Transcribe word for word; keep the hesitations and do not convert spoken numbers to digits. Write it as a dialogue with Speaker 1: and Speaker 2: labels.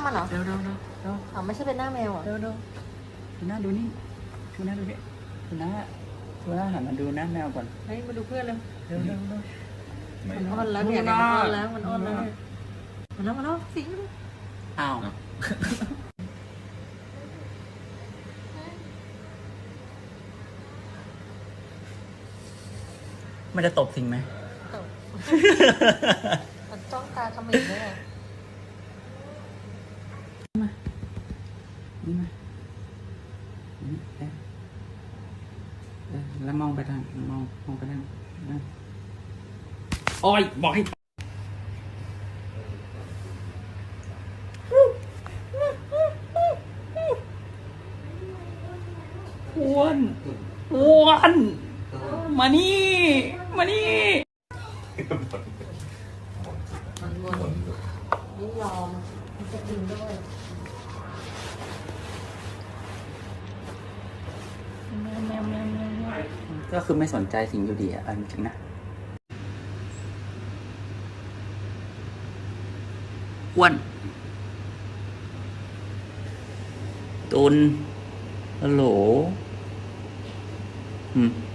Speaker 1: มันเหรอ
Speaker 2: เร็วเร็วเร็วเร็ว
Speaker 1: อ๋อไม่ใช่เป็นหน้าแมวเหรอ
Speaker 2: เร็วเร็วดูหน้าดูนี่ดูหน้าดูนี่ดูหน้าดูหน้าหันมาดูหน้าแมวก่อน
Speaker 1: เฮ้ยมาดูเพื่อนเลย
Speaker 2: เร็วเร็วเร็ว
Speaker 1: มันอ้อนแล้วเนี่ย
Speaker 2: ดู
Speaker 1: มัน
Speaker 2: หน้า
Speaker 1: อ้อนแล้วมันอ้อนแล้วเนี่ยมันแล้วมันแล้วสิง
Speaker 2: อ้าวมันจะตบสิงไหม
Speaker 1: ตบมันจ้องตาเขมิบเลยอะ
Speaker 2: มานี่มานี่เอ๊ะเอ๊ะแล้วมองไปทางมองมองไปทางนะโอ้ยบอกให้อ้วนอ้วนมานี่มานี่
Speaker 1: มันวนยิ่งยอมมันจะกินด้วย
Speaker 2: ก็คือไม่สนใจสิ่งอยู่ดีอ่ะเอาจริงๆนะอ้วนตุนฮัลโหลอืม